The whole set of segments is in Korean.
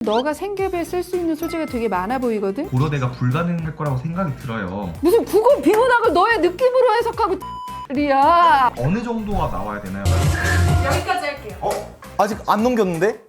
너가 생계부에 쓸 수 있는 소재가 되게 많아 보이거든? 고려대가 불가능할 거라고 생각이 들어요. 무슨 국어 비문학을 너의 느낌으로 해석하고 리야. 어느 정도가 나와야 되나요? 여기까지 할게요. 아직 안 넘겼는데?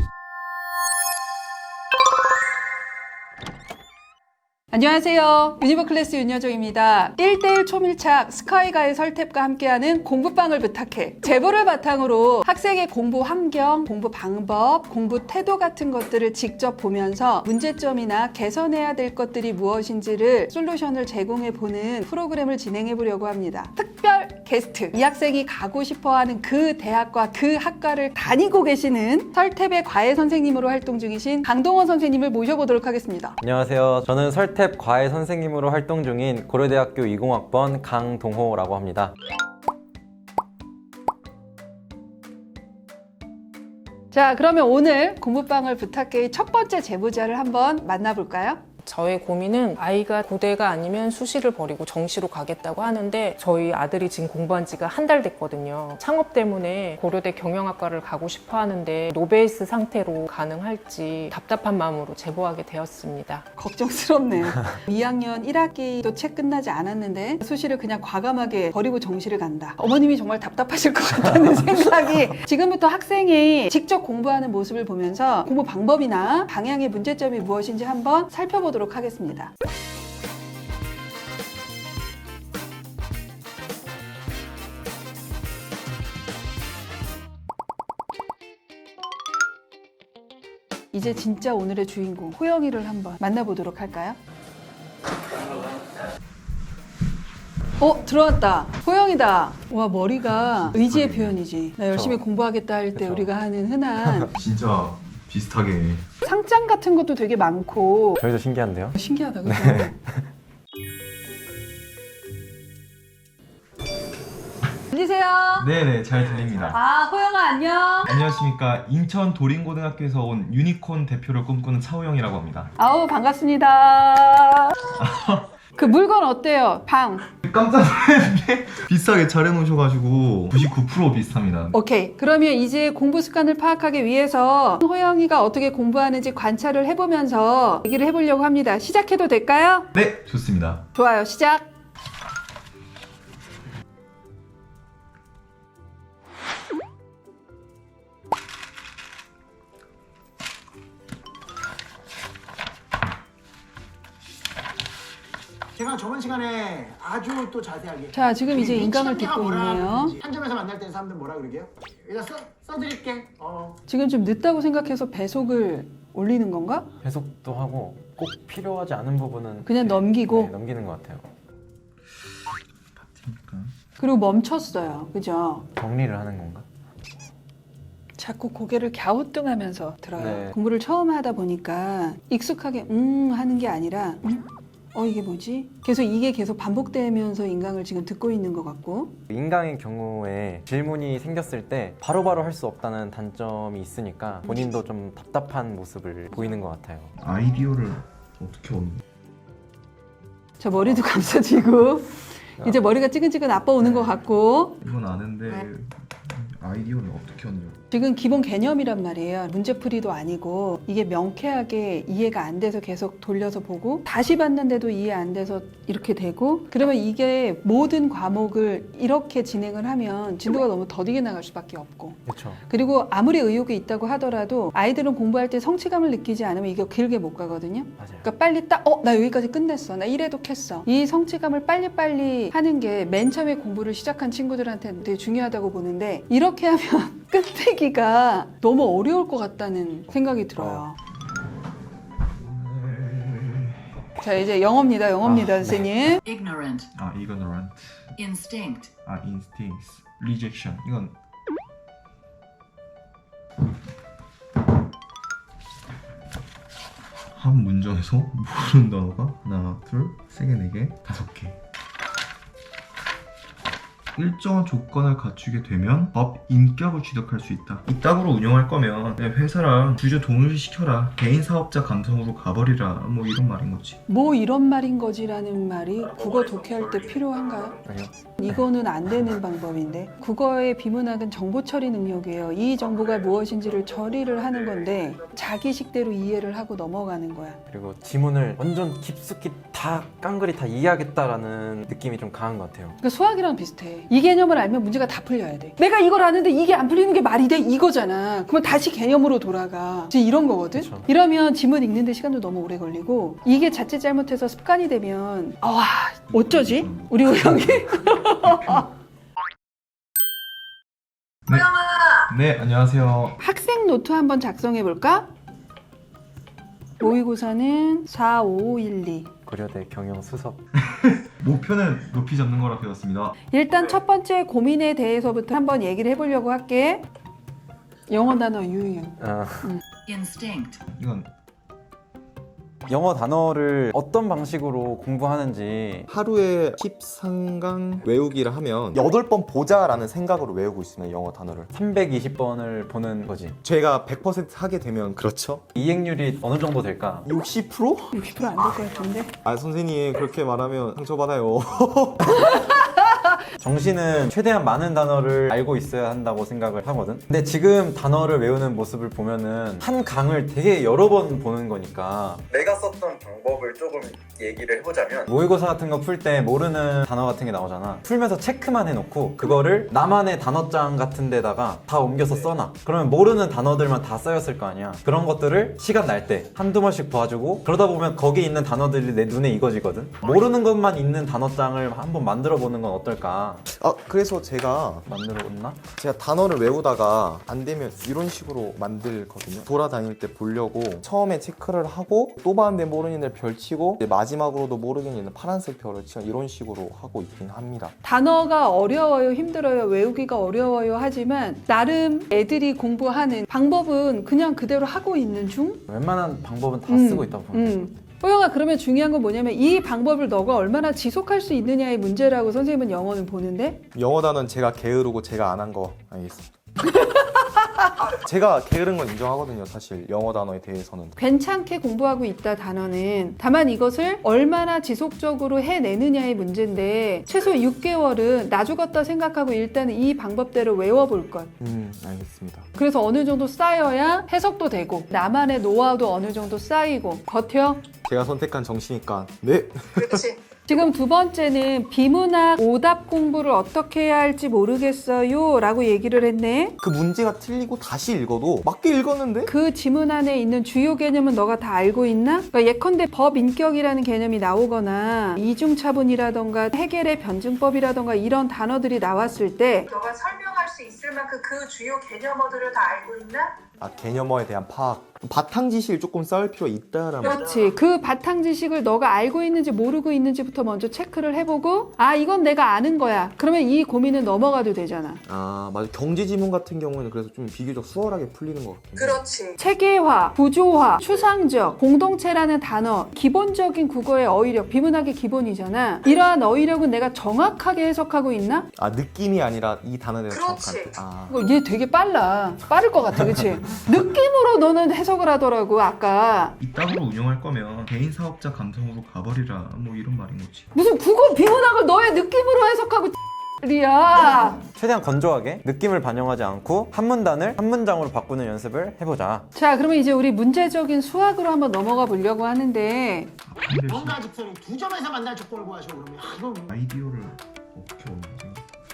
안녕하세요. 유니버클래스 윤여정입니다. 1대1 초밀착 스카이가의 설탭과 함께하는 공부방을 부탁해. 제보를 바탕으로 학생의 공부 환경, 공부 방법, 공부 태도 같은 것들을 직접 보면서 문제점이나 개선해야 될 것들이 무엇인지를 솔루션을 제공해보는 프로그램을 진행해보려고 합니다. 특별 게스트, 이 학생이 가고 싶어하는 그 대학과 그 학과를 다니고 계시는 설탭의 과외 선생님으로 활동 중이신 강동원 선생님을 모셔보도록 하겠습니다. 안녕하세요. 저는 설탭 과외 선생님으로 활동 중인 고려대학교 20학번 강동호라고 합니다. 자, 그러면 오늘 공부방을 부탁해의 첫 번째 제보자를 한번 만나볼까요? 저의 고민은 아이가 고대가 아니면 수시를 버리고 정시로 가겠다고 하는데 저희 아들이 지금 공부한 지가 한 달 됐거든요. 창업 때문에 고려대 경영학과를 가고 싶어 하는데 노베이스 상태로 가능할지 답답한 마음으로 제보하게 되었습니다. 걱정스럽네요. 2학년 1학기도 채 끝나지 않았는데 수시를 그냥 과감하게 버리고 정시를 간다. 어머님이 정말 답답하실 것 같다는 생각이. 지금부터 학생이 직접 공부하는 모습을 보면서 공부 방법이나 방향의 문제점이 무엇인지 한번 살펴보도록 하겠습니다. 이제 진짜 오늘의 주인공 호영이를 한번 만나보도록 할까요? 들어왔다. 호영이다. 와, 머리가 의지의 표현이지. 나 열심히 공부하겠다 할 때 그쵸. 우리가 하는 흔한 진짜 비슷하게. 상장 같은 것도 되게 많고 저희도 신기한데요? 신기하다, 그죠? 들리세요? 네네, 잘 들립니다. 아, 호영아 안녕. 안녕하십니까. 인천 도림고등학교에서 온 유니콘 대표를 꿈꾸는 차우영이라고 합니다. 아우, 반갑습니다. 그 물건 어때요? 방. 깜짝 놀랐는데 비싸게 잘 해놓으셔가지고 99% 비슷합니다. 오케이. 그러면 이제 공부 습관을 파악하기 위해서 호영이가 어떻게 공부하는지 관찰을 해보면서 얘기를 해보려고 합니다. 시작해도 될까요? 네, 좋습니다. 좋아요. 시작. 제가 저번 시간에 아주 또 자세하게 자, 지금 이제 인강을 미치겠냐, 듣고 뭐라 있네요. 그러는지. 한 점에서 만날 때는 사람들 뭐라 그러게요? 일단 써드릴게. 지금 좀 늦다고 생각해서 배속을 올리는 건가? 해석도 하고 꼭 필요하지 않은 부분은 그냥 넘기고? 네, 넘기는 것 같아요. 그리고 멈췄어요. 그죠? 정리를 하는 건가? 자꾸 고개를 갸우뚱하면서 들어요. 네. 공부를 처음 하다 보니까 익숙하게 하는 게 아니라 이게 뭐지? 이게 계속 반복되면서 인강을 지금 듣고 있는 것 같고. 인강의 경우에 질문이 생겼을 때 바로바로 할 수 없다는 단점이 있으니까 본인도 좀 답답한 모습을 보이는 것 같아요. 아이디어를 어떻게 얻는? 저 머리도 감싸지고 이제 머리가 찌근찌근 아빠 오는 네. 것 같고. 이건 아는데 아이디어를 어떻게 얻냐고. 지금 기본 개념이란 말이에요. 문제풀이도 아니고 이게 명쾌하게 이해가 안 돼서 계속 돌려서 보고 다시 봤는데도 이해 안 돼서 이렇게 되고, 그러면 이게 모든 과목을 이렇게 진행을 하면 진도가 너무 더디게 나갈 수밖에 없고, 그렇죠. 그리고 아무리 의욕이 있다고 하더라도 아이들은 공부할 때 성취감을 느끼지 않으면 이게 길게 못 가거든요. 맞아요. 그러니까 빨리 나 여기까지 끝냈어. 나 1회독 했어. 이 성취감을 빨리빨리 하는 게 맨 처음에 공부를 시작한 친구들한테는 되게 중요하다고 보는데, 이렇게 하면 끝내기가 너무 어려울 것 같다는 생각이 들어요. 자, 이제 영어입니다. 선생님. ignorant, ignorant. instinct, instincts. rejection. 이건 한 문장에서 모르는 단어가 하나, 둘, 세 개, 네 개, 다섯 개. 일정한 조건을 갖추게 되면 법 인격을 취득할 수 있다. 이따구로 운영할 거면 그냥 회사랑 주주 동일시켜라. 개인 사업자 감성으로 가버리라. 뭐 이런 말인 거지. 뭐 이런 말인 거지라는 말이 국어 독해할 때 필요한가요? 아니요. 이거는 안 되는 방법인데 국어의 비문학은 정보 처리 능력이에요. 이 정보가 무엇인지를 처리를 하는 건데 자기식대로 이해를 하고 넘어가는 거야. 그리고 지문을 완전 깊숙이 다 깡그리 다 이해하겠다라는 느낌이 좀 강한 것 같아요. 그러니까 수학이랑 비슷해. 이 개념을 알면 문제가 다 풀려야 돼. 내가 이걸 아는데 이게 안 풀리는 게 말이 돼? 이거잖아. 그러면 다시 개념으로 돌아가. 이제 이런 거거든? 그쵸. 이러면 지문 읽는데 시간도 너무 오래 걸리고 이게 자칫 잘못해서 습관이 되면 와 어쩌지? 우리 우영이? 네, 안녕하세요. 학생 노트 한번 작성해 볼까? 모의고사는 4, 5, 1, 2. 고려대 경영 수석. 목표는 높이 잡는 거라 배웠습니다. 일단 첫 번째 고민에 대해서부터 한번 얘기를 해보려고 할게. 영어 단어 유형. instinct, 이건 영어 단어를 어떤 방식으로 공부하는지 하루에 13강 외우기를 하면 8번 보자라는 생각으로 외우고 있습니다. 영어 단어를. 320번을 보는 거지. 제가 100% 하게 되면 그렇죠? 이행률이 어느 정도 될까? 60%? 60% 안 될 것 같은데. 아 선생님 그렇게 말하면 상처받아요. 정시는 최대한 많은 단어를 알고 있어야 한다고 생각을 하거든. 근데 지금 단어를 외우는 모습을 보면은 한 강을 되게 여러 번 보는 거니까 내가 썼던 방법을 조금 얘기를 해보자면 모의고사 같은 거 풀 때 모르는 단어 같은 게 나오잖아. 풀면서 체크만 해놓고 그거를 나만의 단어장 같은 데다가 다 옮겨서 써놔. 그러면 모르는 단어들만 다 쌓였을 거 아니야. 그런 것들을 시간 날 때 한두 번씩 봐주고 그러다 보면 거기 있는 단어들이 내 눈에 익어지거든. 모르는 것만 있는 단어장을 한번 만들어 보는 건 어떨까? 아 그래서 제가 만들어봤나? 단어를 외우다가 안 되면 이런 식으로 만들거든요. 돌아다닐 때 보려고 처음에 체크를 하고 또 봤는데 모르는 애 별 치고 이제 마지막으로도 모르겠는 파란색 별을 치고 이런 식으로 하고 있긴 합니다. 단어가 어려워요, 힘들어요, 외우기가 어려워요 하지만 나름 애들이 공부하는 방법은 그냥 그대로 하고 있는 중? 웬만한 방법은 다 쓰고 있다고 보면 돼. 호영아 그러면 중요한 건 뭐냐면 이 방법을 너가 얼마나 지속할 수 있느냐의 문제라고 선생님은 영어는 보는데 영어 단어는 제가 게으르고 제가 안 한 거 알겠습니다. 제가 게으른 건 인정하거든요. 사실 영어 단어에 대해서는. 괜찮게 공부하고 있다 단어는 다만 이것을 얼마나 지속적으로 해내느냐의 문제인데 최소 6개월은 나 죽었다 생각하고 일단은 이 방법대로 외워볼 것. 알겠습니다. 그래서 어느 정도 쌓여야 해석도 되고 나만의 노하우도 어느 정도 쌓이고 버텨. 제가 선택한 정시니까 네. 그렇지. 지금 두 번째는 비문학 오답 공부를 어떻게 해야 할지 모르겠어요 라고 얘기를 했네. 그 문제가 틀리고 다시 읽어도 맞게 읽었는데? 그 지문 안에 있는 주요 개념은 너가 다 알고 있나? 그러니까 예컨대 법인격이라는 개념이 나오거나 이중차분이라던가 해겔의 변증법이라던가 이런 단어들이 나왔을 때 너가 설명할 수 있을 만큼 그 주요 개념어들을 다 알고 있나? 아 개념어에 대한 파악. 바탕 지식을 조금 쌓을 필요가 있다라는 거죠. 그렇지. 그 바탕 지식을 너가 알고 있는지 모르고 있는지부터 먼저 체크를 해보고 아 이건 내가 아는 거야. 그러면 이 고민은 넘어가도 되잖아. 아 맞아. 경제 지문 같은 경우에는 그래서 좀 비교적 수월하게 풀리는 것 같긴 해요. 그렇지. 체계화, 구조화, 추상적, 공동체라는 단어 기본적인 국어의 어휘력, 비문학의 기본이잖아. 이러한 어휘력은 내가 정확하게 해석하고 있나? 아 느낌이 아니라 이 단어에 대해서 그렇지. 정확한 아 얘 되게 빨라. 빠를 것 같아. 그치? 느낌으로 너는 해석을 하더라고 아까. 이따구로 운영할 거면 개인 사업자 감성으로 가버리라. 뭐 이런 말인 거지. 무슨 국어 비문학을 너의 느낌으로 해석하고 리야. 최대한 건조하게 느낌을 반영하지 않고 한 문단을 한 문장으로 바꾸는 연습을 해보자. 자 그러면 이제 우리 문제적인 수학으로 한번 넘어가 보려고 하는데 뭔가 집사님 두 점에서 만날 조건을 구하셔 그러면 이건 아이디어를 어떻게 얻는지.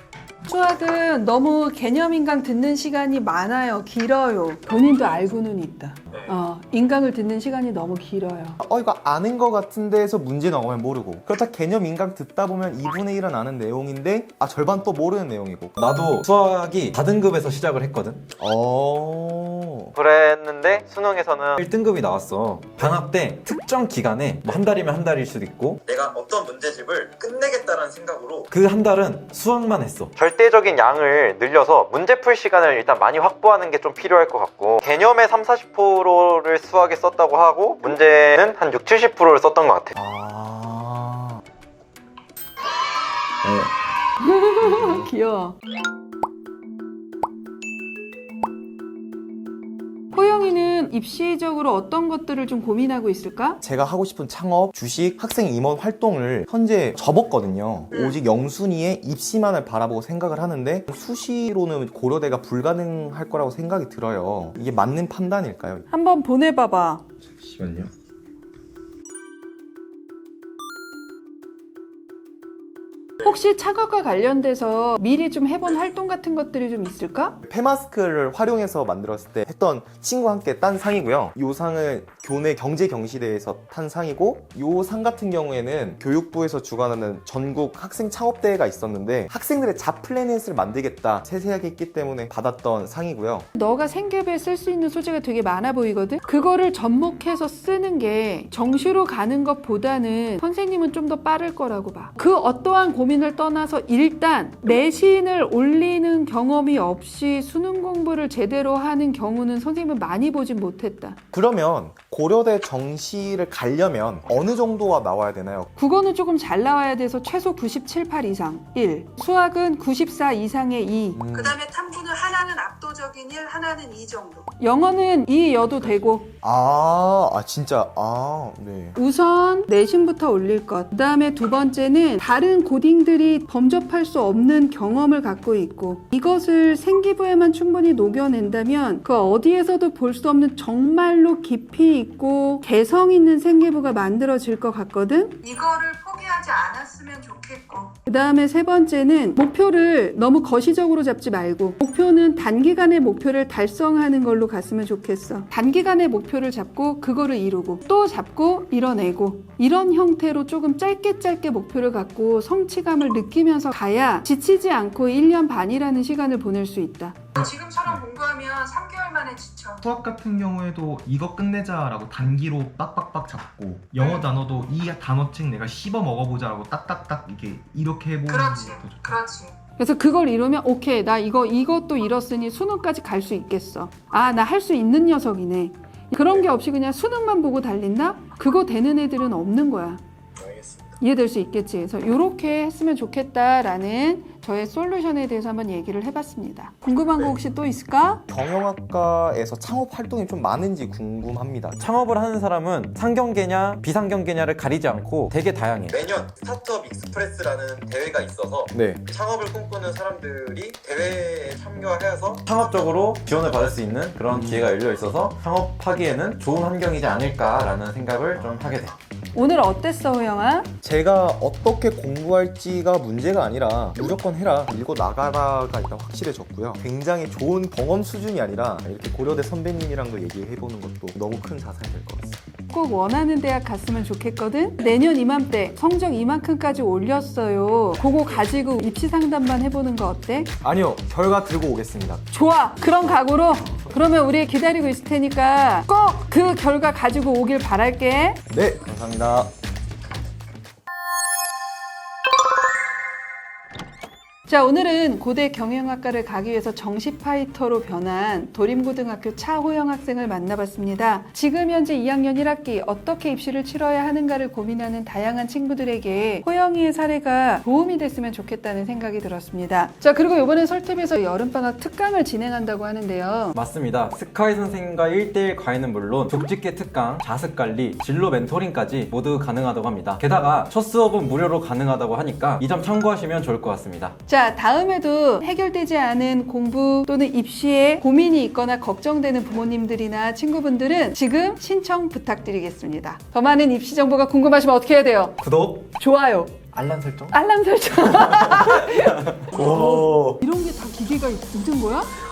수학은 너무 개념 인강 듣는 시간이 많아요. 길어요. 본인도 알고는 있다. 인강을 듣는 시간이 너무 길어요. 이거 아는 것 같은데 해서 문제 나오면 모르고 그렇다 개념 인강 듣다 보면 2분의 1은 아는 내용인데 절반 또 모르는 내용이고 나도 수학이 4등급에서 시작을 했거든. 그랬는데 수능에서는 1등급이 나왔어. 방학 때 특정 기간에 뭐 한 달이면 한 달일 수도 있고 내가 어떤 문제집을 끝내겠다라는 생각으로 그 한 달은 수학만 했어. 절대적인 양을 늘려서 문제 풀 시간을 일단 많이 확보하는 게 좀 필요할 것 같고 개념의 30-40%를 수학에 썼다고 하고 문제는 한 60-70%를 썼던 것 같아. 귀여워. 호영이는 입시적으로 어떤 것들을 좀 고민하고 있을까? 제가 하고 싶은 창업, 주식, 학생 임원 활동을 현재 접었거든요. 오직 영순이의 입시만을 바라보고 생각을 하는데 수시로는 고려대가 불가능할 거라고 생각이 들어요. 이게 맞는 판단일까요? 한번 보내봐봐. 잠시만요. 혹시 창업과 관련돼서 미리 좀 해본 활동 같은 것들이 좀 있을까? 폐마스크를 활용해서 만들었을 때 했던 친구와 함께 딴 상이고요. 이 상은 교내 경제경시대회에서 탄 상이고 이 상 같은 경우에는 교육부에서 주관하는 전국 학생 창업대회가 있었는데 학생들의 잡플래닛을 만들겠다 세세하게 했기 때문에 받았던 상이고요. 너가 생계부에 쓸 수 있는 소재가 되게 많아 보이거든? 그거를 접목해서 쓰는 게 정시로 가는 것보다는 선생님은 좀 더 빠를 거라고 봐. 그 어떠한 고민을 떠나서 일단 내신을 올리는 경험이 없이 수능 공부를 제대로 하는 경우는 선생님은 많이 보진 못했다. 그러면 고려대 정시를 가려면 어느 정도가 나와야 되나요? 국어는 조금 잘 나와야 돼서 최소 97, 8 이상 1. 수학은 94 이상의 2. 그 다음에 탐구는 하나는 압도적인 1, 하나는 2 정도. 영어는 2여도 되고 진짜 네. 우선 내신부터 올릴 것. 그 다음에 두 번째는 다른 고딩들이 범접할 수 없는 경험을 갖고 있고 이것을 생기부에만 충분히 녹여낸다면 그 어디에서도 볼 수 없는 정말로 깊이 있고 개성 있는 생기부가 만들어질 것 같거든? 이거를 포기하지 않았으면 좋겠고. 그 다음에 세 번째는 목표를 너무 거시적으로 잡지 말고 목표는 단기간의 목표를 달성하는 걸로 갔으면 좋겠어. 단기간의 목표를 잡고 그거를 이루고 또 잡고 이뤄내고 이런 형태로 조금 짧게 목표를 갖고 성취감을 느끼면서 가야 지치지 않고 1년 반이라는 시간을 보낼 수 있다. 지금처럼 공부하면 3개월 만에 지쳐. 수학 같은 경우에도 이거 끝내자라고 단기로 빡빡빡 잡고 영어 단어도 이 단어책 내가 씹어 먹어보자라고 딱딱딱 이렇게 해보는 그렇지, 것도 좋다. 그렇지. 그래서 그걸 이루면 오케이 나 이것도 이뤘으니 수능까지 갈 수 있겠어. 아 나 할 수 있는 녀석이네. 그런 게 없이 그냥 수능만 보고 달린다? 그거 되는 애들은 없는 거야. 알겠습니다. 이해될 수 있겠지. 그래서 이렇게 했으면 좋겠다라는 저의 솔루션에 대해서 한번 얘기를 해봤습니다. 궁금한 거 혹시 또 있을까? 경영학과에서 창업 활동이 좀 많은지 궁금합니다. 창업을 하는 사람은 상경계냐 비상경계냐를 가리지 않고 되게 다양해. 매년 스타트업 익스프레스라는 대회가 있어서 네. 창업을 꿈꾸는 사람들이 대회에 참여해서 창업적으로 지원을 받을 수 있는 그런 기회가 열려 있어서 창업하기에는 좋은 환경이지 않을까라는 생각을 좀 하게 돼. 오늘 어땠어 호영아? 제가 어떻게 공부할지가 문제가 아니라 무조건 해라, 밀고 나가라가 일단 확실해졌고요. 굉장히 좋은 경험 수준이 아니라 이렇게 고려대 선배님이랑도 얘기해보는 것도 너무 큰 자산이 될 것 같습니다. 꼭 원하는 대학 갔으면 좋겠거든? 내년 이맘때 성적 이만큼까지 올렸어요. 그거 가지고 입시 상담만 해보는 거 어때? 아니요, 결과 들고 오겠습니다. 좋아! 그런 각오로 그러면 우리 기다리고 있을 테니까 꼭 그 결과 가지고 오길 바랄게. 네, 감사합니다. 자, 오늘은 고대 경영학과를 가기 위해서 정시 파이터로 변한 도림고등학교 차호영 학생을 만나봤습니다. 지금 현재 2학년 1학기 어떻게 입시를 치러야 하는가를 고민하는 다양한 친구들에게 호영이의 사례가 도움이 됐으면 좋겠다는 생각이 들었습니다. 자, 그리고 이번에 설탭에서 여름방학 특강을 진행한다고 하는데요. 맞습니다. 스카이 선생님과 1대1 과외는 물론 족집게 특강, 자습관리, 진로 멘토링까지 모두 가능하다고 합니다. 게다가 첫 수업은 무료로 가능하다고 하니까 이 점 참고하시면 좋을 것 같습니다. 자, 다음에도 해결되지 않은 공부 또는 입시에 고민이 있거나 걱정되는 부모님들이나 친구분들은 지금 신청 부탁드리겠습니다. 더 많은 입시 정보가 궁금하시면 어떻게 해야 돼요? 구독, 좋아요. 알람 설정. 알람 설정. 오. 이런 게 다 기계가 있는 거야?